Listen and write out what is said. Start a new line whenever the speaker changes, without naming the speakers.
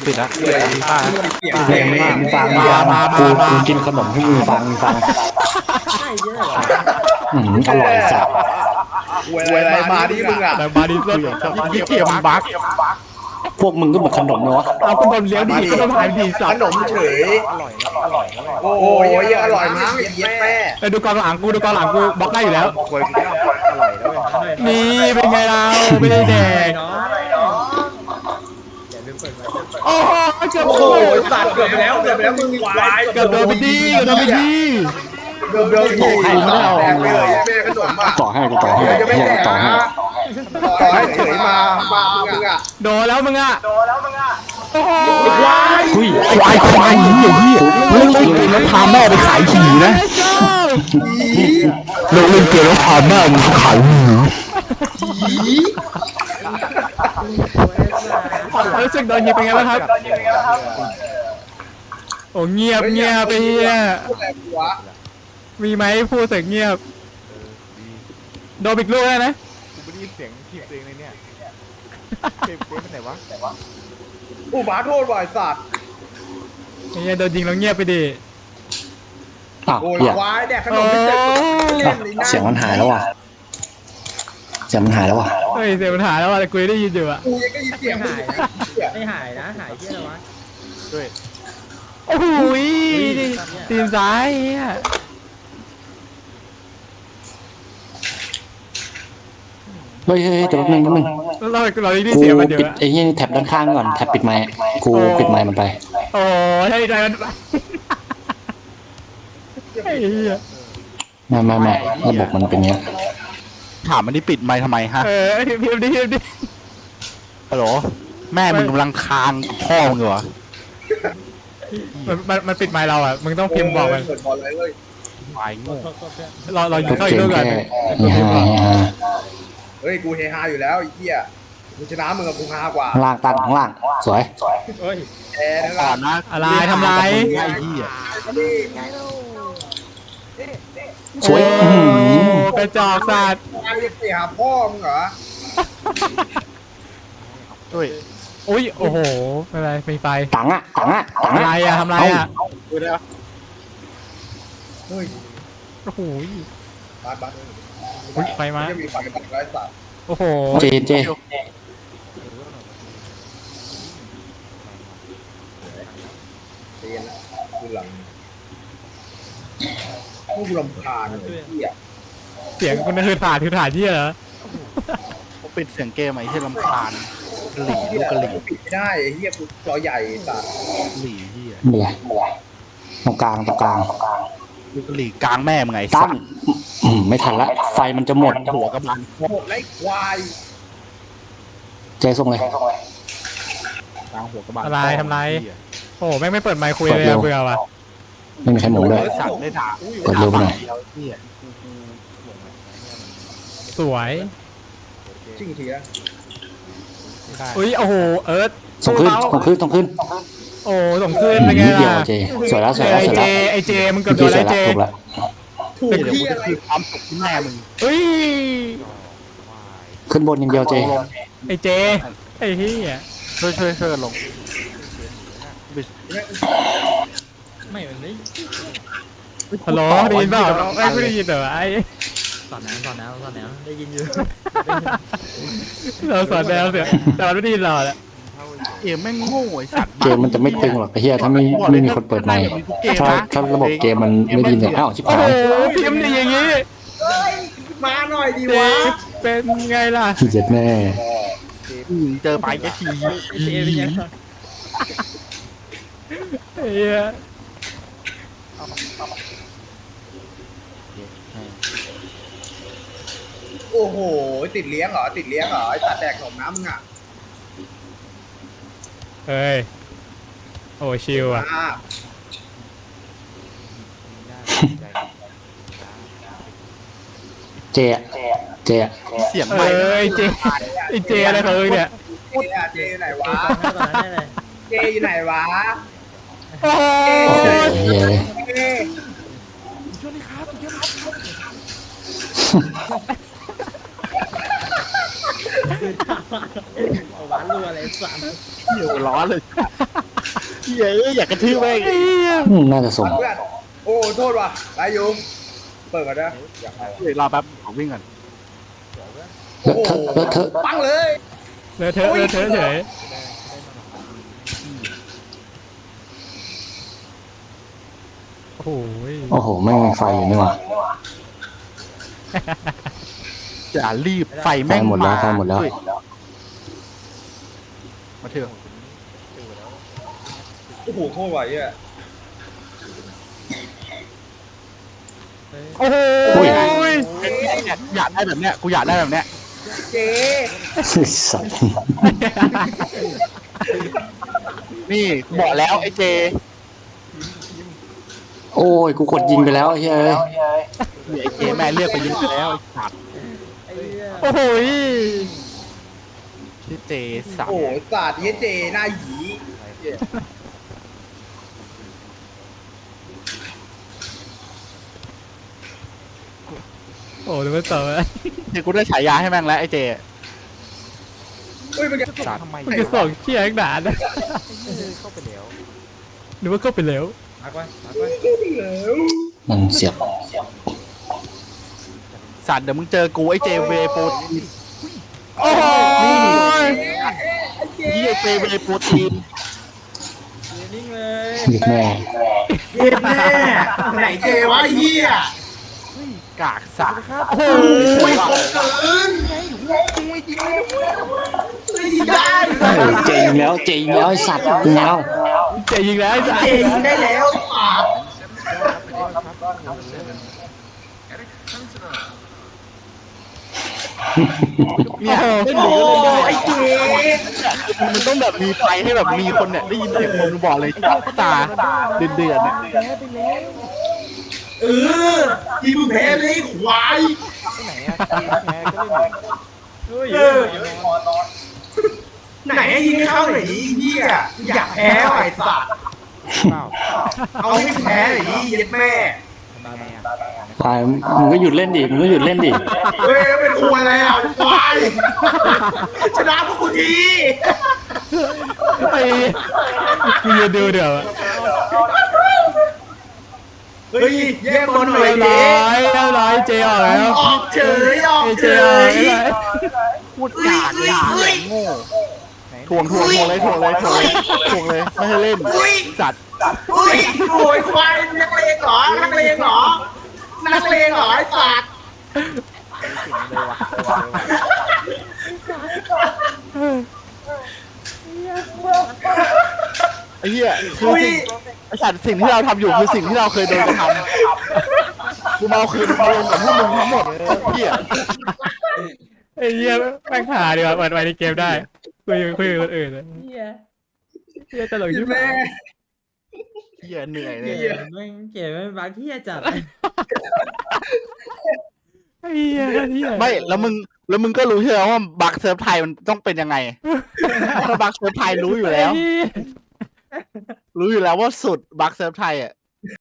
ปิดแล้วป้า
เพลงมากมึงฟังกูกินขนมให้มึงฟัง
ใช่เยอะเหรอ
อร่อยจัด
เวลามาดิมึงอ่ะ
แต่มาดิสยี่เกียมบัก
พวกมึงก็เหมือนขนมเลยวะ
เอาคุณโดนเลี้ยวดีก็ต้องหายดีสั
ข
ตว์
นมเฉยโอ้ยอร่อยมั้งไอ้เหี้ยแม่
ไปดูกองหลังกูบล็อกได้อยู่แล้ว
ควยกูอร่อยแล้วเว้ย
นี่เป็นไงเราไม่ได้แดก
น้องอย่าลืมเปิดไว้
โอ้โหเกือบ
โอ้
โด
โห
น
สัตว์เกือบไปแล้วมึงควาย
เกือบโดนไปดี
เกือบโดนกูไม่ได้เอาแม่ขนมอ่ะ
ต่อให้ต่อให้
จะไม่แดก
ต่อให้
ต่อให้เฉยมามึงอ่ะ
โดนแล้วมึงอ่ะโอ้โห
อุ้ยควายเหี้ยเล่นเกมแล้วพาแม่ไปขายหีนะเล่นเกมแล้วพาแม่ไปขายหี
รู้สึกโดนยิงเป็นไงบ้างครับโอ้เงียบไปเฮียมีไหมพูดเสียงเงียบโดนอีกลูกแล้วนะ
กูไม่ได้ยินเสียงทีมตัวเองเลยเนี่ยเกมเป็นไหนวะ
อุบาโทษบ่อยสัตว์
เฮียโดนยิงแล้วเงียบไปดิ
อ้าว
โอ้ย
เหี้ย
ควายแดกขนมไม่เสร็จเล่นเลยนะ
เสียงมันหายแล้วว่ะเสียงมันหายแล้วว่ะ
เฮ้ยเสียปัญหาแล้วแต่กูได้ยินอยู่อะ
กูยังได้ยินเสียงมึง
ไม่หายนะหายที่อะไรวะ
ด้วย
โอ้โหตีนซ้ายเฮีย
เฮ้ยเดี๋ยวแป๊บนึง
เราได้ยิน
กู
เสียงมันเย
ปิด
อะ
ไอ้ยี่แท็บด้านข้างก่อนแท็บปิดไมค์กูปิดไมค์มันไป
โอ้ใช่ใจมันไอ้เหี้ย
ไม่ระบบมันเป็นเงี้ย
ถามมันนี่ปิดไมค์ทำไมฮะ
พิมพ์ดิ
ฮัลโหลแม่มึงกำลังคางพ่อมึงเหรอ
มันปิดไมค์เราอ่ะมึงต้องพิมพ์บอกมัน
เปิดบอลเลยเว้ย
ควายโง่
เรายิงเข้าอี
เก
ก
ม
ลูกก่อน
แค่นี่ฮะ
เฮ้ยกูเฮฮาอยู่แล้วไอ้เหี้ยกูชนะมึงกับกูฮากว่า
ข้างล่างตั้งข้างล่างสวย
เฮ้ย
แพ้นั่นแห
ก่อ
ละ
นนะ
อะไรทำไร
ไอ้เหี้ย
สวย
โอ้กระจอกสัตว์
ไปหาพ่อมึงเหรอ
ด้วย
อุ้ยโอ้โหอะไรมีไฟ
ตังอะ
อะไรอะทำไรอะ
ดูได้ปะ
เฮ้ย
โอ้โห
บัส
อุ๊ยไฟมา
จะมีไฟบัสไร้สัตว์
โอ้โห
เจ
เตียนนะคือหลังพวกลำคาญเลยเหี้ย
เสียงคุณคือถ่านที่เหรอ
เขาปิดเสียงเกมไอ้ที่รำคาญกะหลี่ลูกกะหลี่
ปิดไม่ได้ไอ้เหี้ยกูจอใหญ่สัตว์
กะหลี่เหี้ย
ไม่เป็นไรตรงกลาง
ลูกกะหลี่กลางแม่มึงไง
ตั้
สั
ง
ตว์
ไม่ทันละไฟมันจะหมด
หัวกำลัง
หมดไล่ควาย
เจส่งเลย
กลางหัวกำลัง
อะไรทำไร โอ้แม่งไม่เปิดไมค์คุยเลยอะเบื่อว่ะ
ไม่มีใครหมุนเลย
สัตว์ได้ด่า
เปิดเร็วไปหน่อย
เหี้ย
สวย
ชิ่งทีนะ
อุ้ยโอ้โหเอิร์ธ
ส่งขึ้น
โอ้ส่งขึ้นเป็นไง
นิดเดียว
ล่ะ
เจสวยแล้ว
ไอเจมึงเกือบโดนไอเจ
ถูกแล้ว
ถูก
เดี๋ยว
ที่
กู
อะ
จะ
ไร
คือความสุขที่แม่มึง
เฮ้ย
ขึ้นบนอย่างเดียวเจ
ไอเจไอเฮีย
ช่วยกันลง
ไม่มันไม่
ฮัลโหลได้ยินเปล่าไม่ได้ยินเหรอไอ
สอนน้ำได้ยินอยู่
เราสอนแนวเสียแต่มันไม่ได้ยินเราแหละ
เกมแม่งโง่ไอ้สัตว์
เกมมันจะไม่ตึงหรอกไอ้เหี้ยถ้าไม่มีคนเปิดไมค์ถ้าระบบเกมมันไม่ดีเนี่ยอ้าวชิบ
โอ้
หาย
โหพิมพ์ดีอย่างงี้
เฮ้ยมาหน่อยดี
เจ
วะ
เป็นไงล่ะ
เจ็ดแน่
เจอไปจะที
เจเป็นยัง
ไอ้เหี้ย
โอ้โหติดเลี้ยงเหรอไอ้สัตว์แดกขนมน้ำมึงอ่ะ
เฮ้ยโอ้ชิลอ่ะ
เจเจ
เสียง
เอ
ใหม่
อไอเจไอเจอะไรของมึงเนี่ย
เจอยู่ไหนวะ
ตอนนั้นได้เลย
เจอยู่ไหนวะ
โอ้โห
โอ้โหเย้
เจ
ช่วยดิครับช่วยครับ
เอาหวานรัวอะไรสั่น
เหี้ยหัวร้อนเลยเหี้ยอยากกระทืบแม่ง
ไอ้เหี้ย
น่าจะส่ง
เพื่อนโอ้โทษว่ะไรยุงเปิดก่อนนะอยากไป
เดี๋ยวรอแป๊บขอวิ่งก่อน
โอ้โห
เลอะเทอะ
ปังเลย
เลอะเทอะเลอะเทอะเฉยโอ้โห
โอ้โหไม่มีไฟอยู่นี่หว่า
อย่ารีบไฟแม่ง
ไฟหมดแล้ว
า
ไฟหมดแล้ว
เฮ้ยมาเถอะ
โอ้โหโทษว่ะเหี้ย
โอ้โห
อยากได้แบบเนี้ยกูอยากได้แบบเนี้ย
เจ๊
สัตว์
นี่บอกแล้วไอ้เจ
โอ้ยกูกดยิงไปแล้วไอ้เฮ้ย
นี่ไอ้เจแม่เลือกไปยิงไปแล้วไอ้สัตว์
ไอ้เหี้ย
โอ้โห
ชื่อเจสัต
โอ้
ว์
โหศาสตร์เหี้ยเจหน้าหยี
โอ้โหเดี๋ยวมันต่อไป
เดี๋ยวกูได้ฉายาให้แม่งแล้วไอ้เจ
เฮ้ยมันจะ
สัตว์
มันจะส่งเชี่ยงหนานะ
เข้าไปแล้ว
หรือว่าเข้าไปแล้ว
พักไว้พักไว้
มันเสียบ
สัตว์เดี๋ยวมึงเจอกูไอ้เจเวโปรตีน
โอ้โห
นี่ไอ้เจเวโปรตีน
ยืนนิ่งเลย
หยิบแม่
เย็นแน่ไหนเจวะไอ้เหี้ย
กากสัตว์
โอ้โห
ไม่คงเกินได้
เฮ้ยเจยิงแล้วเจยิงแล้วไอ้สัตว์ยิงแล้ว
เจ๋ยิงแล้วไอ้สัส
เจยิงได้แล้วปาด
เนี่ยเล่น
โอ้
ดีก็เล่นได้
ไอ้เจ
มันต้องแบบมีไฟให้แบบมีคนเนี่ยได้ยินเสียงคนบอกเลยตาเดือดเนี่ย
เออทีมึงแพ้เลยควาย
เฮ้ย
ไหนให้ยิงเข้าหน่อยดิเหี้ยอยากแพ้ไอ้สัตว์เอาให้แพ้หน่อยดิเย็ดแม่
ไปมึงก็หยุดเล่นดิมึงก็หยุดเล่นดิ
เฮ้ยเป็นควยอะไรอ่ะควายชนะพวกกูที
ไอ้กูจะดูเดี๋ยวอะ
เฮ้ยแย่งบอลหน่อย
เรียบ
ดิ
ร้อยเรียบร้อยเจออกแล้ว
ออกเฉยออก
ไอ้
เฉ
เจออก
ย
แล้ว
พูดกากเลยเหี้ยโง่ทวงเลยไม่ให้เล่นจัด
อุ้ยโวยควายนักเลงเหรอนักเลงเหรอนักเลงเหรอไอ้สัตว์
ไอ้เหี้ยคือสิ่งไอ้สัตว์สิ่งที่เราทำอยู่คือสิ่งที่เราเคยโดนกระทำกูมาเอาคืนมาลงกับพวกมึงทั้งหมดเหี้ย
ไอ้เหี้ยแม่งหาดีกว่าเปิดไว้ในเกมได้คุยกับคนอื่นเลย
เหี้ย
เหี้ยตลกชิบ
แม่
หาย
เหี้ยเหนื่อยเลย
เก๋แม่งเก๋แม่งบางที่จัด
ไอ้เหี้ยเหี้ย
ไม่แล้วมึงก็รู้ใช่ไหมว่าบัคเซิร์ฟไทยมันต้องเป็นยังไงถ้าบัคเซิร์ฟไทยรู้อยู่แล้ว
ไอ้เหี้ย
รู้อยู่แล้วว่าสุดบัคเซิร์ฟไทยอ่ะ